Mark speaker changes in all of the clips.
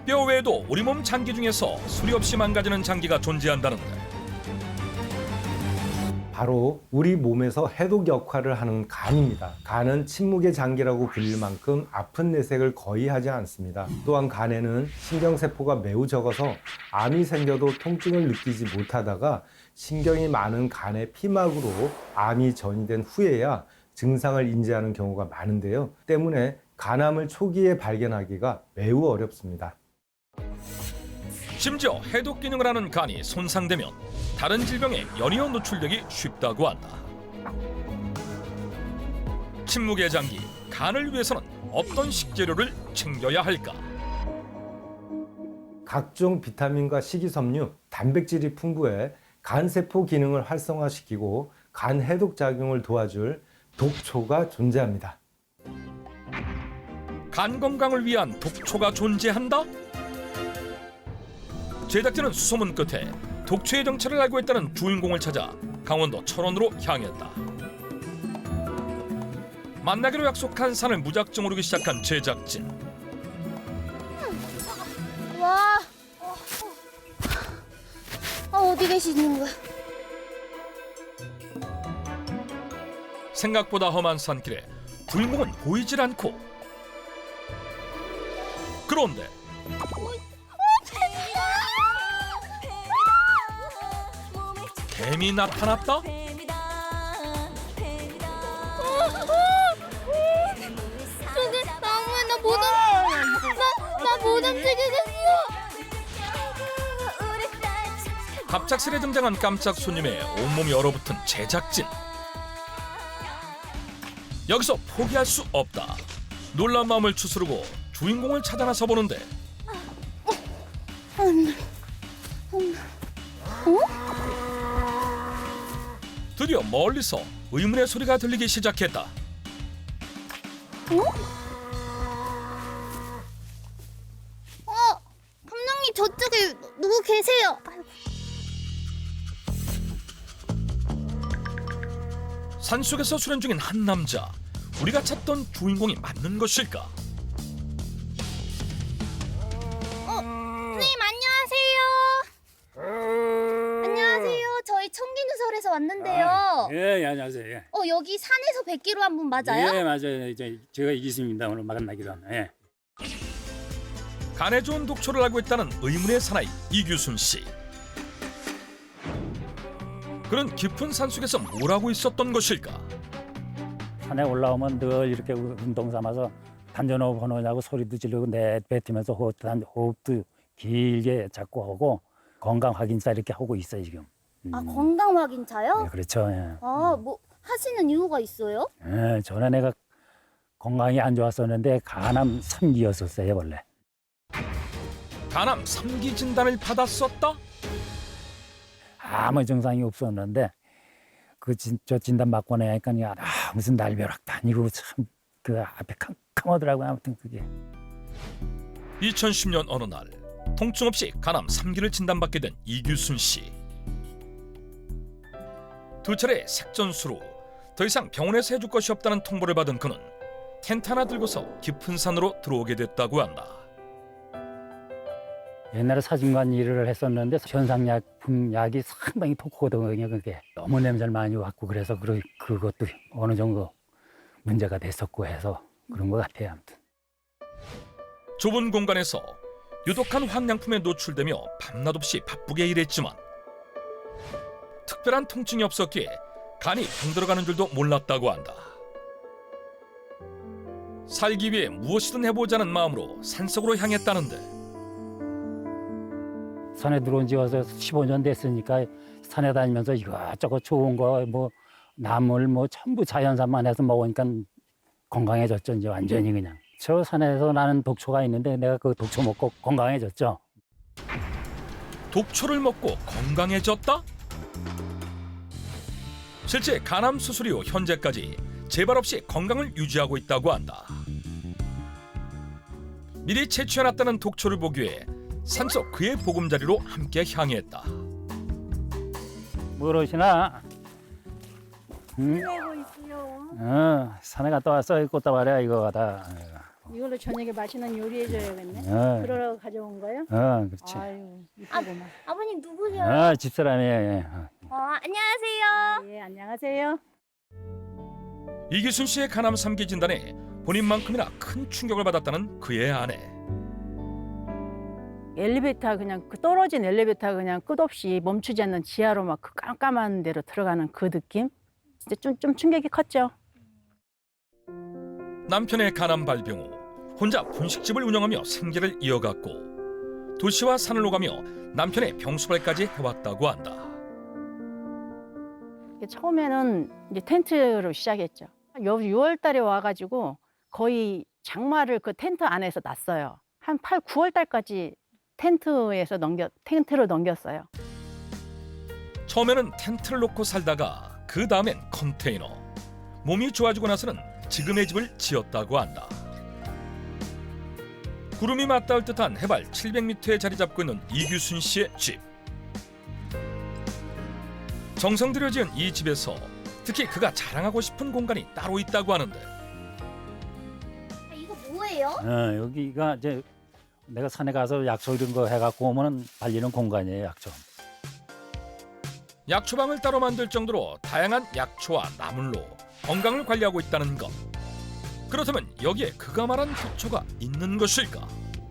Speaker 1: 뼈 외에도 우리 몸 장기 중에서 수리 없이 망가지는 장기가 존재한다는데
Speaker 2: 바로 우리 몸에서 해독 역할을 하는 간입니다. 간은 침묵의 장기라고 불릴 만큼 아픈 내색을 거의 하지 않습니다. 또한 간에는 신경세포가 매우 적어서 암이 생겨도 통증을 느끼지 못하다가 신경이 많은 간의 피막으로 암이 전이된 후에야 증상을 인지하는 경우가 많은데요. 때문에 간암을 초기에 발견하기가 매우 어렵습니다.
Speaker 1: 심지어 해독 기능을 하는 간이 손상되면 다른 질병에 연이어 노출되기 쉽다고 한다. 침묵의 장기, 간을 위해서는 어떤 식재료를 챙겨야 할까?
Speaker 2: 각종 비타민과 식이섬유, 단백질이 풍부해 간세포 기능을 활성화시키고 간 해독 작용을 도와줄 독초가 존재합니다.
Speaker 1: 간 건강을 위한 독초가 존재한다? 제작진은 수소문 끝에 독초의 정체를 알고 있다는 주인공을 찾아 강원도 철원으로 향했다. 만나기로 약속한 산을 무작정 오르기 시작한 제작진.
Speaker 3: 와, 어디 계시는 거야?
Speaker 1: 생각보다 험한 산길에 주인공은 보이질 않고 그런데 뱀이 나타났다?
Speaker 3: 저기 나무에 나 못 움직이겠어.
Speaker 1: 갑작스레 등장한 깜짝 손님에 온몸이 얼어붙은 제작진. 여기서 포기할 수 없다. 놀란 마음을 추스르고 주인공을 찾아 나서 보는데 드디어 멀리서 의문의 소리가 들리기 시작했다.
Speaker 3: 감독님 저쪽에 누구 계세요?
Speaker 1: 산속에서 수련 중인 한 남자. 우리가 찾던 주인공이 맞는 것일까?
Speaker 3: 선생님 안녕하세요. 안녕하세요. 저희 청기누설에서 왔는데요.
Speaker 4: 예, 안녕하세요. 예.
Speaker 3: 여기 산에서 뵙기로 한 분 맞아요?
Speaker 4: 예, 맞아요. 이제 제가 이기수입니다. 오늘 만나기로 하네. 예.
Speaker 1: 간에 좋은 독초를 알고 있다는 의문의 사나이 이규순 씨. 그는 깊은 산속에서 뭘 하고 있었던 것일까?
Speaker 4: 산에 올라오면 늘 이렇게 운동 삼아서 단전호흡 하느냐고 소리도 지르고 내뱉으면서 호흡도 길게 잡고 하고 건강 확인차 이렇게 하고 있어요 지금.
Speaker 3: 건강 확인차요?
Speaker 4: 네, 그렇죠. 예.
Speaker 3: 뭐 하시는 이유가 있어요?
Speaker 4: 예, 전에 내가 건강이 안 좋았었는데 간암 3기였었어요 원래.
Speaker 1: 간암 3기 진단을 받았었다?
Speaker 4: 아무 증상이 없었는데 저 진단 받고 나니까 무슨 날벼락도 아니고 참 그 앞에 캄캄하더라고요. 아무튼 그게.
Speaker 1: 2010년 어느 날 통증 없이 간암 3기를 진단받게 된 이규순 씨. 두 차례 색전수로 더 이상 병원에서 해줄 것이 없다는 통보를 받은 그는 텐트 하나 들고서 깊은 산으로 들어오게 됐다고 한다.
Speaker 4: 옛날에 사진관 일을 했었는데 현상약품 약이 상당히 독하거든요. 그게 너무 냄새를 많이 맡고 그래서 그것도 어느 정도 문제가 됐었고 해서 그런 것 같아요. 아무튼.
Speaker 1: 좁은 공간에서 유독한 황량품에 노출되며 밤낮 없이 바쁘게 일했지만 특별한 통증이 없었기에 간이 병들어가는 줄도 몰랐다고 한다. 살기 위해 무엇이든 해보자는 마음으로 산속으로 향했다는데
Speaker 4: 산에 들어온 지 와서 15년 됐으니까 산에 다니면서 이것저것 좋은 거 뭐 나물 뭐 전부 자연산만 해서 먹으니까 건강해졌죠. 이제 완전히 그냥. 저 산에서 나는 독초가 있는데 내가 그 독초 먹고 건강해졌죠.
Speaker 1: 독초를 먹고 건강해졌다? 실제 간암 수술 이후 현재까지 재발 없이 건강을 유지하고 있다고 한다. 미리 채취해놨다는 독초를 보기 위해 산속 그의 보금자리로 함께 향했다.
Speaker 4: 모르시나? 응? 산에 갔다 왔어. 꽃다발이야 이거 다.
Speaker 5: 이걸로 저녁에 맛있는 요리해줘야겠네.
Speaker 4: 어,
Speaker 5: 그러러 가져온 거예요?
Speaker 4: 그렇지.
Speaker 5: 아유, 이쁘구만.
Speaker 3: 아버님 누구세요?
Speaker 4: 집사람이에요.
Speaker 3: 안녕하세요.
Speaker 5: 예, 안녕하세요.
Speaker 1: 이규순 씨의 간암 3기 진단에 본인만큼이나 큰 충격을 받았다는 그의 아내.
Speaker 5: 엘리베이터 그냥 그 떨어진 엘리베이터 그냥 끝없이 멈추지 않는 지하로 막 그 깜깜한 데로 들어가는 그 느낌? 진짜 좀 충격이 컸죠.
Speaker 1: 남편의 간암 발병 후 혼자 분식집을 운영하며 생계를 이어갔고 도시와 산을 오가며 남편의 병수발까지 해왔다고 한다.
Speaker 5: 처음에는 이제 텐트로 시작했죠. 6월 달에 와가지고 거의 장마를 그 텐트 안에서 났어요. 한 8, 9월 달까지 텐트로 넘겼어요.
Speaker 1: 처음에는 텐트를 놓고 살다가 그 다음엔 컨테이너. 몸이 좋아지고 나서는 지금의 집을 지었다고 한다. 구름이 맞닿을 듯한 해발 700m에 자리 잡고 있는 이규순 씨의 집. 정성 들여 지은 이 집에서 특히 그가 자랑하고 싶은 공간이 따로 있다고 하는데
Speaker 3: 이거 뭐예요?
Speaker 4: 여기가 이제 내가 산에 가서 약초 이런 거 해갖고 오면은 달리는 공간이에요. 약초.
Speaker 1: 약초방을 따로 만들 정도로 다양한 약초와 나물로 건강을 관리하고 있다는 것. 그렇다면 여기에 그가 말한 독초가 있는 것일까?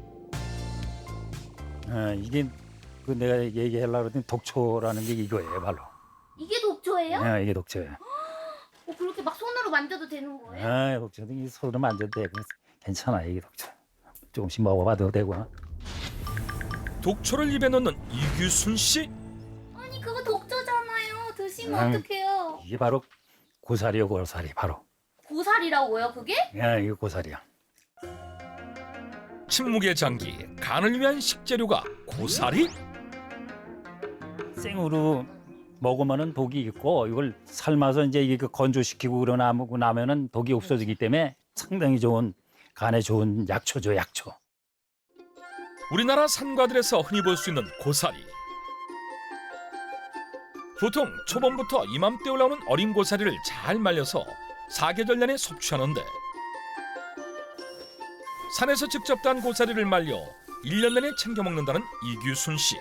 Speaker 4: 이게 그 내가 얘기하려고 했더니 독초라는 게 이거예요, 바로.
Speaker 3: 이게 독초예요?
Speaker 4: 이게 독초예요.
Speaker 3: 그렇게 막 손으로 만져도 되는 거예요?
Speaker 4: 독초도 이 손으로 만져도 되고 괜찮아, 이게 독초. 조금씩 먹어봐도 되고.
Speaker 1: 독초를 입에 넣는 이규순 씨?
Speaker 3: 아니 그거 독초잖아요. 드시면
Speaker 4: 음.
Speaker 3: 어떡해요?
Speaker 4: 이게 바로 고사리요, 고사리 바로.
Speaker 3: 고사리라고요 그게?
Speaker 4: 이게 고사리야.
Speaker 1: 침묵의 장기, 간을 위한 식재료가 고사리?
Speaker 4: 생으로 먹으면은 독이 있고 이걸 삶아서 이제 이게 건조시키고 그러고 나면은 독이 없어지기 때문에 상당히 좋은 간에 좋은 약초죠, 약초.
Speaker 1: 우리나라 산과들에서 흔히 볼 수 있는 고사리. 보통 초봄부터 이맘때 올라오는 어린 고사리를 잘 말려서 사계절 내내 섭취하는데 산에서 직접 딴 고사리를 말려 1년 내내 챙겨 먹는다는 이규순 씨.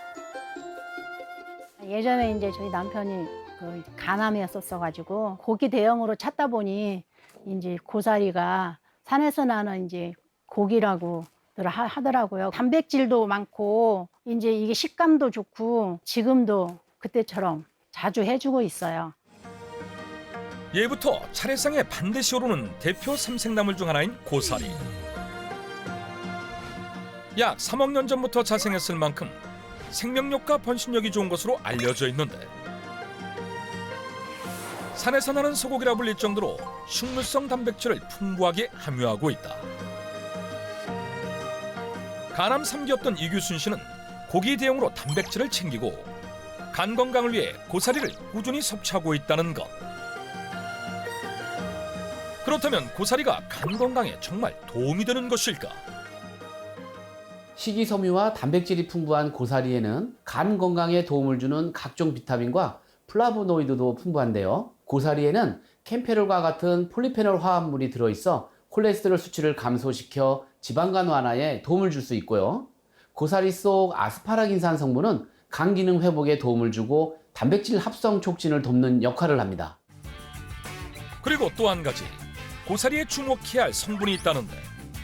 Speaker 5: 예전에 이제 저희 남편이 그 간암이었었어가지고 고기 대용으로 찾다 보니 이제 고사리가 산에서 나는 이제 고기라고 하더라고요. 단백질도 많고 이제 이게 식감도 좋고 지금도 그때처럼 자주 해주고 있어요.
Speaker 1: 예부터 차례상에 반드시 오르는 대표 삼색나물 중 하나인 고사리. 약 3억 년 전부터 자생했을 만큼 생명력과 번식력이 좋은 것으로 알려져 있는데 산에서 나는 소고기라 불릴 정도로 식물성 단백질을 풍부하게 함유하고 있다. 간암 3기였던 이규순 씨는 고기 대용으로 단백질을 챙기고 간 건강을 위해 고사리를 꾸준히 섭취하고 있다는 것. 그렇다면 고사리가 간 건강에 정말 도움이 되는 것일까?
Speaker 6: 식이섬유와 단백질이 풍부한 고사리에는 간 건강에 도움을 주는 각종 비타민과 플라보노이드도 풍부한데요. 고사리에는 캠페놀과 같은 폴리페놀 화합물이 들어있어 콜레스테롤 수치를 감소시켜 지방간 완화에 도움을 줄 수 있고요. 고사리 속 아스파라긴산 성분은 간 기능 회복에 도움을 주고 단백질 합성 촉진을 돕는 역할을 합니다.
Speaker 1: 그리고 또 한 가지 고사리에 주목해야 할 성분이 있다는데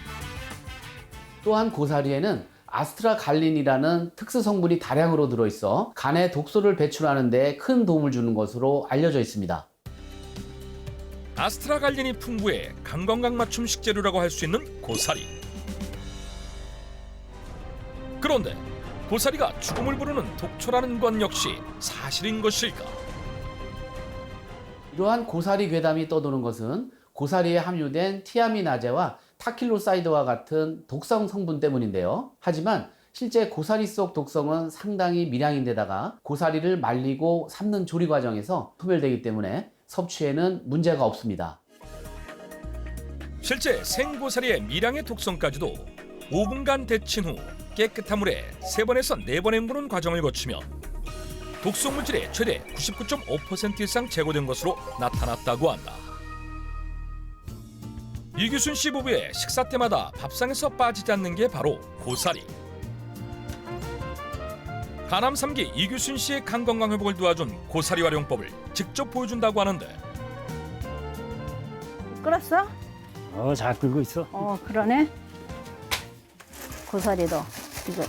Speaker 6: 또한 고사리에는 아스트라갈린이라는 특수 성분이 다량으로 들어있어 간에 독소를 배출하는 데 큰 도움을 주는 것으로 알려져 있습니다.
Speaker 1: 아스트라갈린이 풍부해 간 건강 맞춤 식재료라고 할 수 있는 고사리. 그런데 고사리가 죽음을 부르는 독초라는 건 역시 사실인 것일까?
Speaker 6: 이러한 고사리 괴담이 떠도는 것은 고사리에 함유된 티아미나제와 타킬로사이드와 같은 독성 성분 때문인데요. 하지만 실제 고사리 속 독성은 상당히 미량인데다가 고사리를 말리고 삶는 조리 과정에서 소멸되기 때문에 섭취에는 문제가 없습니다.
Speaker 1: 실제 생고사리의 미량의 독성까지도 5분간 데친 후 깨끗한 물에 3번에서 4번 헹구는 과정을 거치면 독성 물질의 최대 99.5% 이상 제거된 것으로 나타났다고 한다. 이규순 씨 부부의 식사 때마다 밥상에서 빠지지 않는 게 바로 고사리. 하남 3기 이규순 씨의 간 건강 회복을 도와준 고사리 활용법을 직접 보여준다고 하는데
Speaker 5: 끓었어?
Speaker 4: 잘 끓고 있어.
Speaker 5: 그러네. 고사리도 이거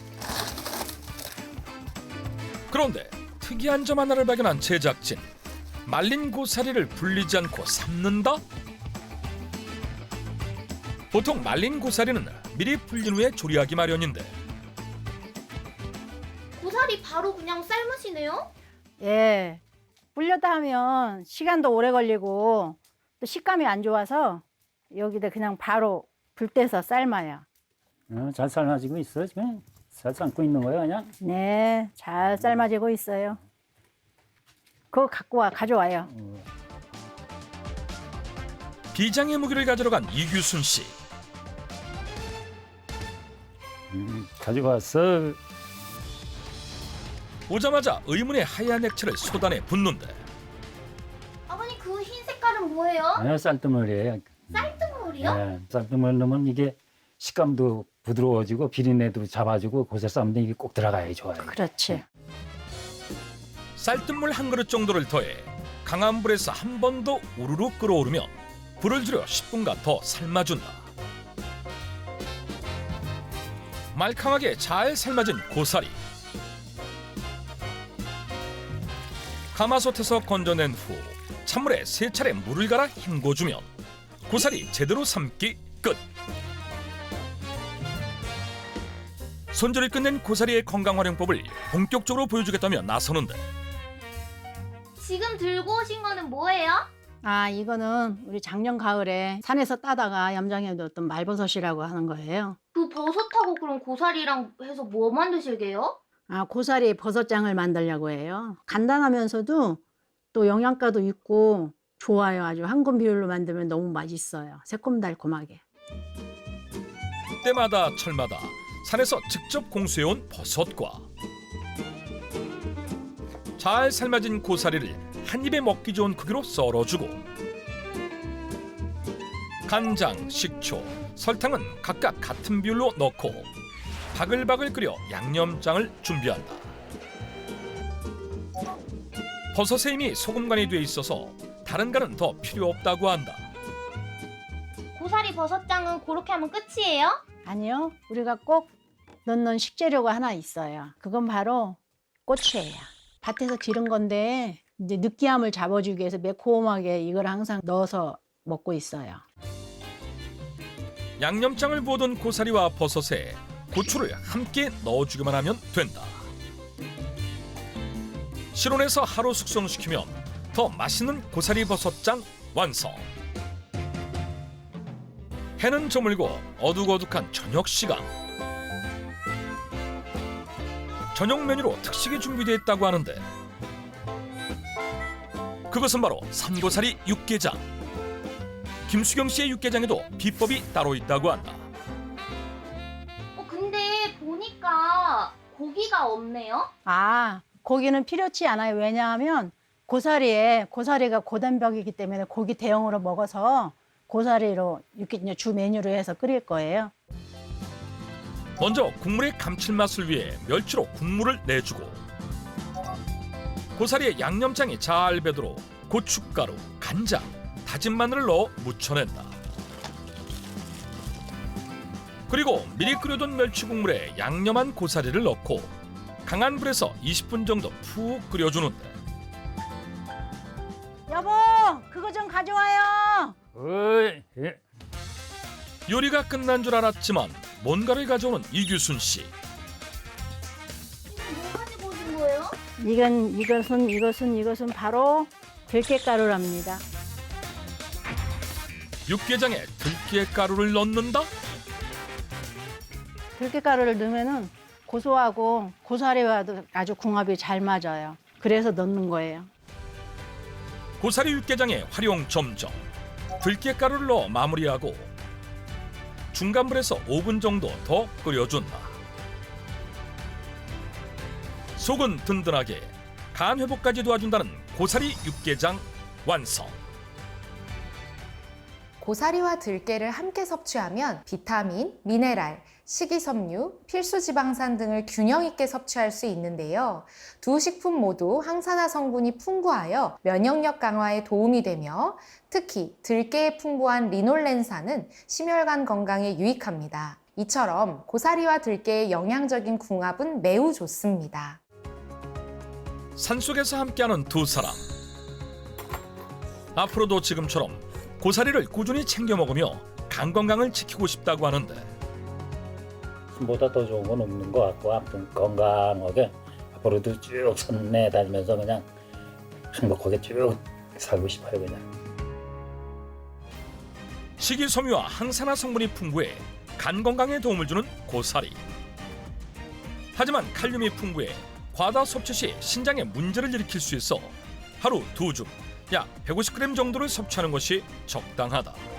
Speaker 1: 그런데 특이한 점 하나를 발견한 제작진. 말린 고사리를 불리지 않고 삶는다? 보통 말린 고사리는 미리 불린 후에 조리하기 마련인데
Speaker 3: 고사리 바로 그냥 삶으시네요?
Speaker 5: 예. 불렸다 하면 시간도 오래 걸리고 또 식감이 안 좋아서 여기다 그냥 바로 불 떼서 삶아요.
Speaker 4: 잘 삶아지고 있어. 지금 잘 삶고 있는 거야 그냥.
Speaker 5: 네, 잘 삶아지고 있어요. 그거 가져와요.
Speaker 1: 비장의 무기를 가지러 간 이규순 씨.
Speaker 4: 가져왔어.
Speaker 1: 오자마자 의문의 하얀 액체를 쏟아내 붓는데
Speaker 3: 아버님 그 흰 색깔은 뭐예요?
Speaker 4: 쌀뜨물이에요.
Speaker 3: 쌀뜨물이요?
Speaker 4: 네, 쌀뜨물 넣으면 이게 식감도 부드러워지고 비린내도 잡아주고 고사리 삶는데 이게 꼭 들어가야 좋아요.
Speaker 5: 그렇지.
Speaker 1: 쌀뜨물 한 그릇 정도를 더해 강한 불에서 한 번 더 우르르 끓어오르며 불을 줄여 10분간 더 삶아준다. 말캉하게 잘 삶아진 고사리. 가마솥에서 건져낸 후 찬물에 3차례 물을 갈아 헹궈주면 고사리 제대로 삶기 끝. 손질을 끝낸 고사리의 건강 활용법을 본격적으로 보여주겠다며 나서는데
Speaker 3: 지금 들고 오신 거는 뭐예요?
Speaker 5: 이거는 우리 작년 가을에 산에서 따다가 염장해 뒀던 말버섯이라고 하는 거예요.
Speaker 3: 그 버섯하고 그럼 고사리랑 해서 뭐 만드실게요?
Speaker 5: 고사리 버섯장을 만들려고 해요. 간단하면서도 또 영양가도 있고 좋아요. 아주 한금 비율로 만들면 너무 맛있어요. 새콤달콤하게.
Speaker 1: 때마다 철마다 산에서 직접 공수해온 버섯과 잘 삶아진 고사리를 한 입에 먹기 좋은 크기로 썰어주고 간장, 식초, 설탕은 각각 같은 비율로 넣고 바글바글 끓여 양념장을 준비한다. 버섯에 이미 소금간이 돼 있어서 다른 간은 더 필요 없다고 한다.
Speaker 3: 고사리 버섯장은 그렇게 하면 끝이에요?
Speaker 5: 아니요. 우리가 꼭 넣는 식재료가 하나 있어요. 그건 바로 고추예요. 밭에서 기른 건데 이제 느끼함을 잡아주기 위해서 매콤하게 이걸 항상 넣어서 먹고 있어요.
Speaker 1: 양념장을 부어둔 고사리와 버섯에 고추를 함께 넣어주기만 하면 된다. 실온에서 하루 숙성시키면 더 맛있는 고사리 버섯장 완성. 해는 저물고 어둑어둑한 저녁 시간. 저녁 메뉴로 특식이 준비되어 있다고 하는데 그것은 바로 산고사리 육개장. 김수경 씨의 육개장에도 비법이 따로 있다고 한다.
Speaker 3: 근데 보니까 고기가 없네요?
Speaker 5: 고기는 필요치 않아요. 왜냐하면 고사리가 고단백이기 때문에 고기 대용으로 먹어서 고사리로 이렇게 주 메뉴로 해서 끓일 거예요.
Speaker 1: 먼저 국물의 감칠맛을 위해 멸치로 국물을 내주고 고사리에 양념장이 잘 배도록 고춧가루, 간장, 다진 마늘을 넣어 무쳐낸다. 그리고 미리 끓여둔 멸치 국물에 양념한 고사리를 넣고 강한 불에서 20분 정도 푹 끓여주는데
Speaker 5: 여보, 그거 좀 가져와요.
Speaker 4: 예.
Speaker 1: 요리가 끝난 줄 알았지만 뭔가를 가져오는 이규순 씨.
Speaker 3: 뭐 가지고 오신 거예요?
Speaker 5: 이것은 바로 들깨가루랍니다.
Speaker 1: 육개장에 들깨가루를 넣는다?
Speaker 5: 들깨가루를 넣으면은 고소하고 고사리와도 아주 궁합이 잘 맞아요. 그래서 넣는 거예요.
Speaker 1: 고사리 육개장의 활용 점정. 들깨가루를 넣어 마무리하고 중간불에서 5분 정도 더 끓여준다. 속은 든든하게 간 회복까지 도와준다는 고사리 육개장 완성.
Speaker 7: 고사리와 들깨를 함께 섭취하면 비타민, 미네랄, 식이섬유, 필수지방산 등을 균형 있게 섭취할 수 있는데요. 두 식품 모두 항산화 성분이 풍부하여 면역력 강화에 도움이 되며 특히 들깨에 풍부한 리놀렌산은 심혈관 건강에 유익합니다. 이처럼 고사리와 들깨의 영양적인 궁합은 매우 좋습니다.
Speaker 1: 산속에서 함께하는 두 사람. 앞으로도 지금처럼 고사리를 꾸준히 챙겨 먹으며 간 건강을 지키고 싶다고 하는데
Speaker 4: 보다 더 좋은 건 없는 것 같고 아무튼 건강하게 앞으로도 쭉 산내 다니면서 그냥 행복하게 쭉 살고 싶어요 그냥.
Speaker 1: 식이섬유와 항산화 성분이 풍부해 간 건강에 도움을 주는 고사리. 하지만 칼륨이 풍부해 과다 섭취 시 신장에 문제를 일으킬 수 있어 하루 2줌, 약 150g 정도를 섭취하는 것이 적당하다.